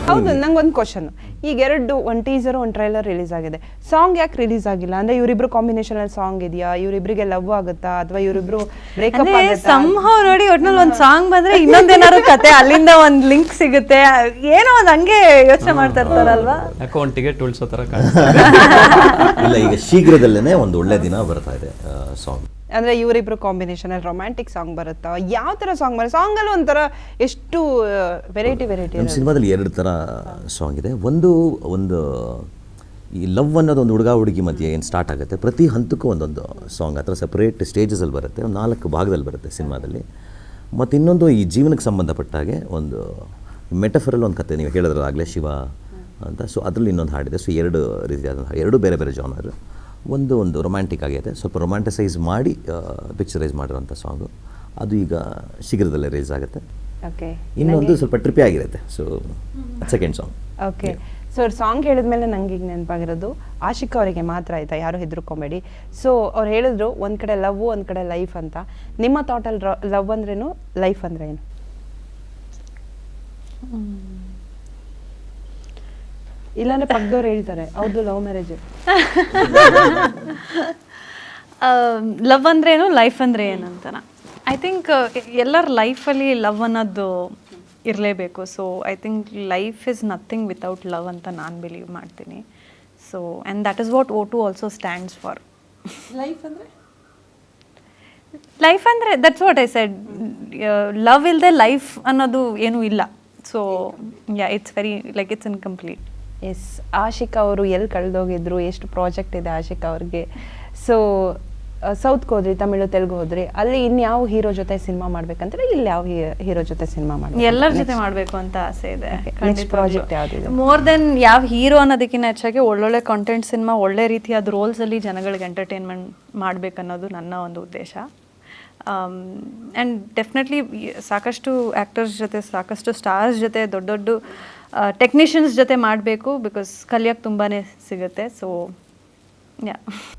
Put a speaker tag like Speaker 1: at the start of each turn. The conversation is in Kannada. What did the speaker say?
Speaker 1: ಹೌದು, ನಂಗೊಂದು ಕ್ವಶನ್. ಈಗ ಒಂದು ಟೀಸರ್ ಒಂದು ಟ್ರೈಲರ್ ರಿಲೀಸ್ ಆಗಿದೆ, ಸಾಂಗ್ ಯಾಕೆ ರಿಲೀಸ್ ಆಗಿಲ್ಲ? ಅಂದ್ರೆ ಇವರಿಬ್ರು ಕಾಂಬಿನೇಷನ್ ಅಲ್ಲಿ ಸಾಂಗ್ ಇದೆಯಾ, ಇವರಿಬ್ರಿಗೆ ಲವ್ ಆಗುತ್ತಾ ಅಥವಾ ಇವರಿಬ್ರು ಬ್ರೇಕಪ್ ಆಗುತ್ತಾ?
Speaker 2: ಸಂಹವ್ ನೋಡಿ ಒಟ್ನಲ್ಲಿ ಒಂದು ಸಾಂಗ್ ಬಂದ್ರೆ ಇನ್ನೊಂದೇನಾದ್ರು ಕತೆ ಅಲ್ಲಿಂದ ಒಂದು ಲಿಂಕ್ ಸಿಗುತ್ತೆ, ಏನೋ ಒಂದು ಹಂಗೆ ಯೋಚನೆ ಮಾಡ್ತಾ ಇರ್ತಾರಲ್ವಾ.
Speaker 3: ಯಾಕೋ ಒಂದು ಟಿಕೆಟ್ ಉಳಿಸೋ ಥರ
Speaker 4: ಇಲ್ಲ, ಈಗ ಶೀಘ್ರದಲ್ಲೇ ಒಂದು ಒಳ್ಳೆ ದಿನ ಬರ್ತಾ ಇದೆ ಸಾಂಗ್.
Speaker 1: ಅಂದ್ರೆ ಇವರಿಬ್ರು ಕಾಂಬಿನೇಷನ್ ಅಲ್ಲಿ ರೊಮ್ಯಾಂಟಿಕ್ ಸಾಂಗ್ ಬರುತ್ತಾ? ಯಾವ ತರ ಸಾಂಗ್ ಬರುತ್ತೆ? ಸಾಂಗ್ ಅಲ್ಲಿ ಒಂಥರ ಎಷ್ಟು ವೆರೈಟಿ
Speaker 4: ನಮ್ಮ ಸಿನಿಮಾದಲ್ಲಿ 2 ಥರ ಸಾಂಗ್ ಇದೆ. ಒಂದು ಈ ಲವ್ ಅನ್ನೋದು ಒಂದು ಹುಡುಗ ಹುಡುಗಿ ಮಧ್ಯೆ ಏನು ಸ್ಟಾರ್ಟ್ ಆಗುತ್ತೆ, ಪ್ರತಿ ಹಂತಕ್ಕೂ ಒಂದೊಂದು ಸಾಂಗ್ ಆ ಥರ ಸಪ್ರೇಟ್ ಸ್ಟೇಜಸಲ್ಲಿ ಬರುತ್ತೆ, ಒಂದು 4 ಭಾಗದಲ್ಲಿ ಬರುತ್ತೆ ಸಿನಿಮಾದಲ್ಲಿ. ಮತ್ತು ಇನ್ನೊಂದು ಈ ಜೀವನಕ್ಕೆ ಸಂಬಂಧಪಟ್ಟಾಗೆ ಒಂದು ಮೆಟಫರಲ್ಲಿ ಒಂದು ಕತೆ, ನೀವು ಹೇಳಿದ್ರಲ್ಲ ಆಗಲೇ ಶಿವ ಅಂತ, ಸೊ ಅದರಲ್ಲಿ ಇನ್ನೊಂದು ಹಾಡಿದೆ. ಸೊ 2 ರೀತಿಯಾದ 2 ಬೇರೆ ಬೇರೆ ಜಾನರ್. ಒಂದು ರೊಮ್ಯಾಂಟಿಕ್ ಆಗಿದೆ, ಸ್ವಲ್ಪ ರೊಮ್ಯಾಂಟಿಸೈಸ್ ಮಾಡಿ ಪಿಕ್ಚರೈಸ್ ಮಾಡಿರೋಂಥ ಸಾಂಗು, ಅದು ಈಗ ಶೀಘ್ರದಲ್ಲೇ ರಿಲೀಸ್ ಆಗುತ್ತೆ. ಇನ್ನೊಂದು ಸ್ವಲ್ಪ ಟ್ರಿಪ್ಪಿ ಆಗಿರುತ್ತೆ, so second song.
Speaker 1: Okay, so song ಹೇಳಿದ್ಮೇಲೆ ನಂಗೆ ಈಗ ನೆನಪಾಗಿರೋದು ಆಶಿಕ್ ಅವರಿಗೆ ಮಾತ್ರ ಆಯ್ತಾ, ಯಾರು ಹೆದರ್ಕೊಂಬೇಡಿ. ಸೊ ಅವ್ರು ಹೇಳಿದ್ರು ಒಂದು ಕಡೆ ಲವ್ ಒಂದು ಕಡೆ ಲೈಫ್ ಅಂತ. ನಿಮ್ಮ ಥಾಟಲ್ಲಿ ಲವ್ ಅಂದ್ರೇನು, ಲೈಫ್ ಅಂದ್ರೆ ಏನು? ಇಲ್ಲಾಂದ್ರೆ ಪಕ್ಕದವ್ರು ಹೇಳ್ತಾರೆ ಹೌದು ಲವ್ ಮ್ಯಾರೇಜ್.
Speaker 2: ಲವ್ ಅಂದ್ರೇನು, ಲೈಫ್ ಅಂದರೆ ಏನಂತಾನ. ಐ ಥಿಂಕ್ ಎಲ್ಲರ ಲೈಫಲ್ಲಿ ಲವ್ ಅನ್ನೋದು ಇರಲೇಬೇಕು. So I think life is nothing without love ಅಂತ ನಾನು ಬಿಲೀವ್ ಮಾಡ್ತೀನಿ. So and that is what O2 also stands for. Life ಅಂದರೆ that's what I said, love ಇಲ್ಲದೆ ಲೈಫ್ ಅನ್ನೋದು ಏನೂ ಇಲ್ಲ. So yeah, it's very like it's incomplete.
Speaker 1: Yes, Ashik ಅವರು ಎಲ್ಲಿ ಕಳೆದೋಗಿದ್ರು, ಎಷ್ಟು ಪ್ರಾಜೆಕ್ಟ್ ಇದೆ ಆಶಿಕ್ ಅವ್ರಿಗೆ. ಸೊ ಸೌತ್ಗೆ ಹೋದ್ರಿ, ತಮಿಳು ತೆಲುಗು ಹೋದ್ರಿ, ಅಲ್ಲಿ ಇನ್ಯಾವ ಹೀರೋ ಜೊತೆ ಸಿನಿಮಾ ಮಾಡ್ಬೇಕಂದ್ರೆ ಇಲ್ಲಿ ಯಾವ ಹೀರೋ ಜೊತೆ ಸಿನಿಮಾ ಮಾಡಿ?
Speaker 2: ಎಲ್ಲರ ಜೊತೆ ಮಾಡಬೇಕು ಅಂತ ಆಸೆ ಇದೆ.
Speaker 1: ನೆಕ್ಸ್ಟ್ ಪ್ರಾಜೆಕ್ಟ್ ಯಾವುದಿದೆ?
Speaker 2: ಮೋರ್ ದೆನ್ ಯಾವ ಹೀರೋ ಅನ್ನೋದಕ್ಕಿಂತ ಹೆಚ್ಚಾಗಿ ಒಳ್ಳೊಳ್ಳೆ ಕಾಂಟೆಂಟ್ ಸಿನಿಮಾ, ಒಳ್ಳೆ ರೀತಿಯಾದ ರೋಲ್ಸಲ್ಲಿ ಜನಗಳಿಗೆ ಎಂಟರ್ಟೈನ್ಮೆಂಟ್ ಮಾಡಬೇಕನ್ನೋದು ನನ್ನ ಒಂದು ಉದ್ದೇಶ. ಆ್ಯಂಡ್ ಡೆಫಿನೆಟ್ಲಿ ಸಾಕಷ್ಟು ಆ್ಯಕ್ಟರ್ಸ್ ಜೊತೆ, ಸಾಕಷ್ಟು ಸ್ಟಾರ್ಸ್ ಜೊತೆ, ದೊಡ್ಡ ದೊಡ್ಡ ಟೆಕ್ನಿಷಿಯನ್ಸ್ ಜೊತೆ ಮಾಡಬೇಕು, ಬಿಕಾಸ್ ಕಲಿಯೋಕ್ಕೆ ತುಂಬಾ ಸಿಗುತ್ತೆ. ಸೊ ಯಾ.